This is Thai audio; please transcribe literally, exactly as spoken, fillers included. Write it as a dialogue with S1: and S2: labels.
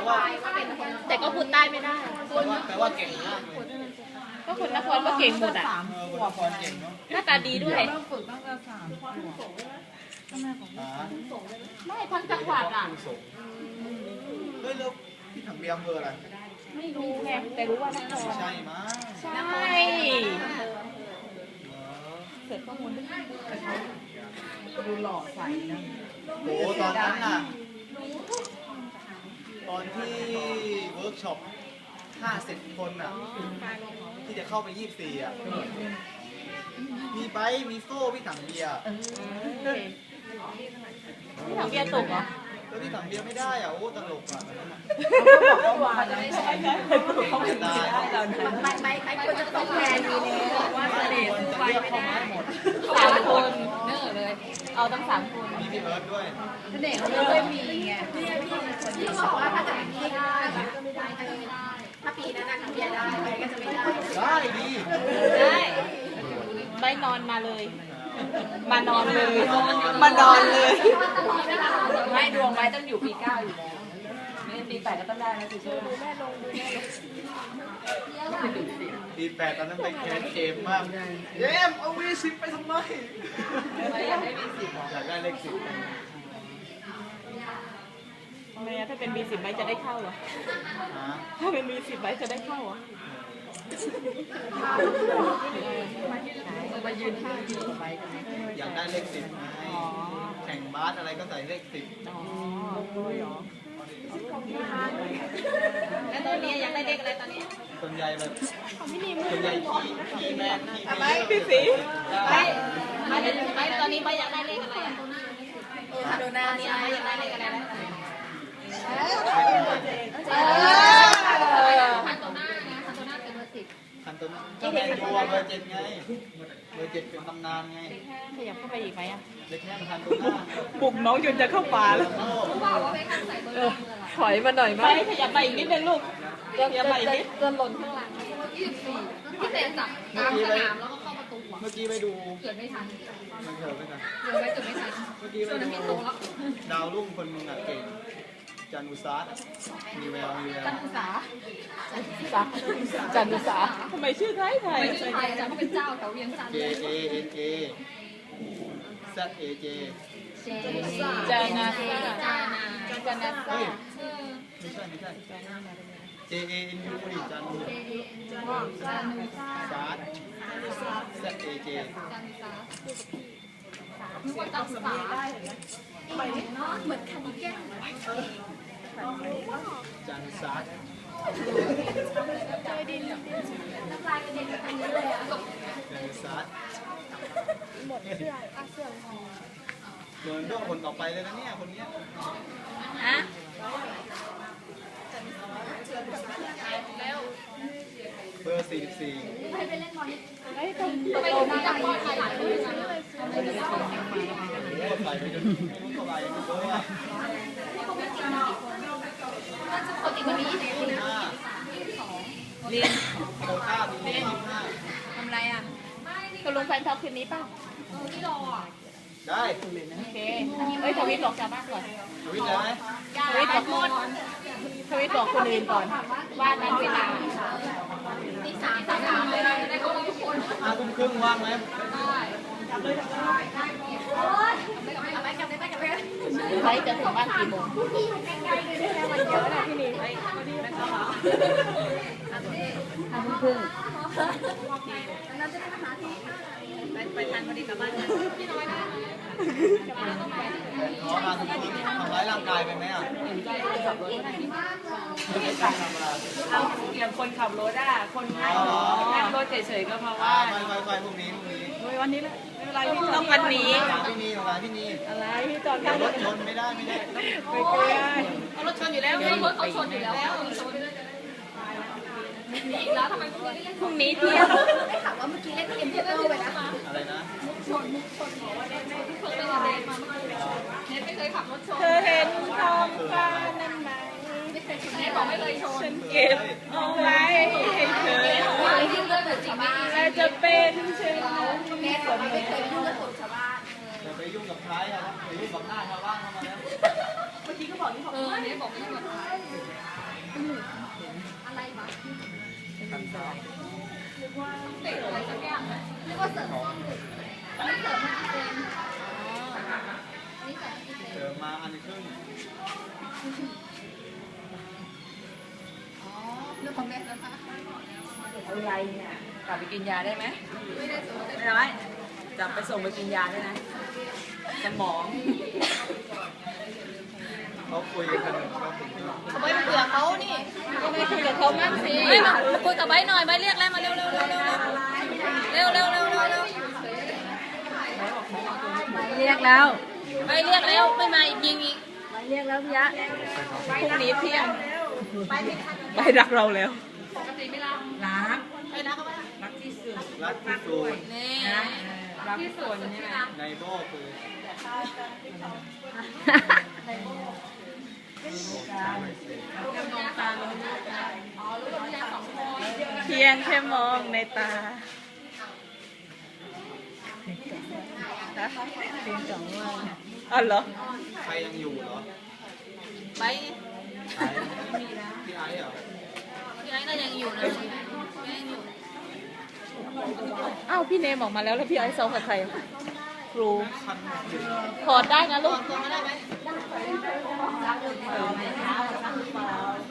S1: ว่า
S2: แต่ก็พูดใต้ไม่ได้
S1: แปลว่าเก่งมากเลย
S2: ก็คนนครก็เก่งหมดอ่ะ
S1: เออคนนครเก่งเนาะ
S2: หน้าตาดีด้วย
S3: ต้องฝึกตั้งแต่สามขวบ
S1: อ่า
S2: ไม่ทั้งจังหวัดอ่ะ
S1: เฮ้ยแล้วพี่ถังเบียร์อำเภออะไร
S2: ไม่รู้ไงแต่รู้ว่านคร
S1: ใช่มั้ง
S2: ใช่เสร็จข้อมูล
S3: ดูหล่อใสนะ
S1: โอ้ตอนนั้นน่ะตอนที่เวิร์กช็อปห้าสิบคนน่ะที่จะเข้าไปยี่สิบสี่อ่ะมีไบค์มีโซ่พี่ถังเบียร์
S2: พี่ถังเบียร์ตกเหรอ
S1: แล้วพี่ถังเบียร์ไม่ได้อ่ะโอ้ตลกอ่ะตอนนั้นน่ะ
S3: เขาบอกว่าจะไม่ใช่เขาไม่ได้เรานะ
S2: ไม่ไม่ไม่ควรจะต้องแทนมีแล้วว่าเสน่ห์
S1: คน
S2: สู้
S1: จะ
S2: ไป
S1: เลือก
S2: ไม่
S1: เข้า
S2: ได้
S1: มาให้หมด
S2: สามคนเน้อเลย เอาตั้งสามคน
S1: มีพี่เอิร์ธด้วย
S3: เด็กเขาไม่มีไง
S2: พี่บอกว่าถ้าจะเป็นพี่ได้ก็ไม่ได้ก็ไม่ได้ ถ้าปีนั้นนะทำเบียร์ได้ไปก็จะไม่ได้
S1: ได้ดี
S2: ได้ใบนอนมาเลย มานอนเลย มานอนเลย
S3: ไม่ดวงไว้ต้องอยู่ปีเก้าอยู่แล้วไม่ปีแปดก็ต้องได้นะสิเชื่อ
S1: ปีแปดตอนนั้นไปแคสเกมมากเยมเอาวีสิบไปทำไม
S3: ไม่อยากได้มีสิบ
S1: อยากได้เลขสิบ
S2: ทำไมอะถ้าเป็นมีสิบใบจะได้เข้าเหรอ
S1: ฮะ
S2: ถ้าเป็นมีสิบใบจะได้เข้าเหรอ
S3: มายืนท่ายืนไป
S1: อยากได้เลขสิบไงแข่งบาสอะไรก็ใส่เลขสิบ
S2: อ๋อแล้วตอนนี้ยังได้เลขอะไรตอนนี้
S1: ส่วนใหญ่แบบส่วนใหญ่ขี้ขี้แม่ขี้
S2: ไม่พี่สีไม่ไม่ไม่ตอนนี้ไม่อยากได้เลขอะไรอ่ะคาโดนาเนี่ยไม่อยากได้เลขอะไรแล้วคันโตน่านะคันโตน่าเป็นเบอร์สิบ
S1: คันต้นก็แมนยูเบอร์เจ็ดไงเบอร์เจ็ดเป็นตำนานไง
S2: ขยับเข้าไปอีกไหมอ่ะ
S1: เล็กแค่คันต้นหน้า
S2: ปลุกน้องจนจะเข้าป่าแล้วถอยมาหน่อยไหมขยับมาอีกนิดนึงลูกขยับมาอีกนิดจนหล่นข้างหลังยี่สิบสี่พี่เตะจับกลางสนามแล้วก็เข้าประตู
S1: เมื่อกี้ไปดู
S2: เกิดไม่ทัน
S1: มันเถอะไม่ทัน
S2: เกิดไว้เกิดไม่ทัน
S1: เมื่อกี้ไปดูดาวรุ่งคนมึงอ่ะเก่งจันอุซาร์มีแววมีแวว
S2: จันทุสาจันจันทุสาทำไมชื่อไทยไทย
S4: ไม่ใช่ไทยจ้ะเขาเป็นเจ้าแถวเวียงจันทร์
S1: J A N A Z A J
S2: จานาซาจานาจานาซา
S1: เฮ้ยไม่ใช่ไม่ใช่ J A N U ดิจันทร์ซาร์ Z A J
S4: นึกว่าจันทร์สาเหมือนคันนี้แก้ว
S1: จันทร์ซาร์
S4: น้ำลายกระเด็นไปทางนี้เลยอ่ะ
S1: จันทร์ซาร์หมดเสื้อเสื้อเหมือนต้องคนต่อไปเลยนะเนี่ยคนเนี้ย
S2: ฮะ
S1: เบอร์สี่สิบสี่
S4: ไปไปเล่นบอล
S2: ไอ้ตรง
S4: ไปดูจังบอลไทยหลายคนเลยนะ
S1: โอ้ใส่ไปจนไม่รู้เท่าไหร่เลยอ่ะ
S4: ปกติวันนี้เนี่ย
S1: ห้า
S2: เรียน
S1: โคต้าปีนี้ยี่สิบห้า
S2: ทำไรอ่ะตกลงแฟนท็อปคืนนี้ป่ะ
S4: ที่รออ่ะ
S1: ได้
S2: โอเคเอ้ยทวิตบอกชาวบ้านก่อน
S1: ทวิตเลยไหม
S2: ทวิตบอกคนทวิตบอกคนอื่นก่อนว่านั้นเวลา
S4: ตีสามสามสามเลยนะได้เข้ามาทุกคน
S1: ห้าทุ่มครึ่งว่างไหม
S4: เอาไปกลับไปกลับไป
S2: ไลฟ์จะถึงบ้านกี่โมง
S4: ห้าทุ่มครึ่งนั้นจะได้มาหาที่
S2: ไปทันพอดีกลับบ้าน
S4: พี่น้อยนะ
S1: ขอมาทุ่มครึ่งทำร้ายร่างกายไปไหมอ่ะไม่ได้ทำอะไร
S3: เอาอย่างคนขับรถอ่ะคนนั่งนั่งรถเฉยๆก็มาว่า
S1: ไปไปไปพรุ่งนี้พรุ่งนี้
S2: วันนี้แหละไม่เป็นไรพี่ต้องวันนี้
S1: หาพี่นีหาพี่นี
S2: อะไรพี่จอด
S1: เดี๋
S2: ข้า
S1: ยว
S2: ง
S1: รถชนไม่ได้ไม่ได้
S2: ไปเกลือ
S4: เอารถชนอยู่แล้วรถเขาชนอยู่แล้วชนอีกแล้วทำไมพวกนี้เล่น
S2: พรุ่งนี้เที่ยง
S4: ได้ข่าวว่าเมื่อกี้เล่นเกมเทเบิลไปนะ
S1: อะไรนะ
S4: ชนมุกชนบอกว่าเล่นได้ที่เพิ่งไปเรียนมาเมื่อกี้เน็ตไม่เคยขับรถชน
S2: เธอเห็นท้องฟ้านั่นไหม
S4: ไม่เคยชนเน็ตบอกไม่เคยชน
S2: ฉันเก็บเอาไว้ให้เธอ
S4: ว่ายิ่งเลือดเหมือนจริงไม่ดี
S2: และจะเป็นเช่นนั้น
S4: เน็ตบอกไม่เคยยุ่งกับคนชาวบ้าน
S1: อย่าไปยุ่งกับท้ายอ่ะไปยุ่งกับหน้าชาวบ้านเข้ามาแล้ว
S4: เมื่อกี้ก็บอกที่เขาเออเน็ตบอกไม่ยุ่งกับใครอะไรวะ
S1: กันเท้า
S4: เตะอะไรสักอย่างอะเรียกว่าเสริมส้นหรือไม่เสริมมันเองนี่ใส่ที่เอง
S1: เจอมาอันครึ่ง
S4: อ๋อเรื่องของแม่นะคะ
S3: อะไรเนี่ยกลับไปกินยาได้ไหม
S4: ไม่ได้สนใจ
S3: ไม่ได้จับไปส่งไปกินยาได้นะสมอง
S1: เขาคุยกันก็ถึง
S4: เอาไว้เผื่อเขานี่ก็ไม่คุยกับเขามั่งสิไม่มาคุยกับใบหน่อยใบเรียกแล้วมาเร็วเร็วเร็วเร็วเร็วเร็วเร็วเร็วเร็ว
S2: เรียกแล้ว
S4: ใบเรียกแล้วไม่มาอีกยิงอีก
S2: เรียกแล้วพี่ยะ
S3: พรุ่งนี้เที่ยงไปรักเราแล้ว
S4: ปกติไม่รับ
S3: รัก
S4: ไปนะเขาไม่
S3: รักที่สุด
S1: รักที่สุด
S4: นี่
S3: รักที่สุดใช่ไหม
S1: ในโบ้คือ
S3: เพียงแค่มองในตา
S2: เป็นสองวัน
S3: อ๋อเหรอ
S1: ใครยังอยู่เหรอ
S4: ใบ
S1: ไอ้พี่ไอ้เหรอ
S4: พี่ไอ้น่ายังอยู่นะยังอยู่
S2: อ้าวพี่เนมออกมาแล้วแล้วพี่ไอ้ซ้อมกับใครครู
S1: คันอยู่
S2: ถอดได้นะลูก
S4: ตัวมาได้ไหม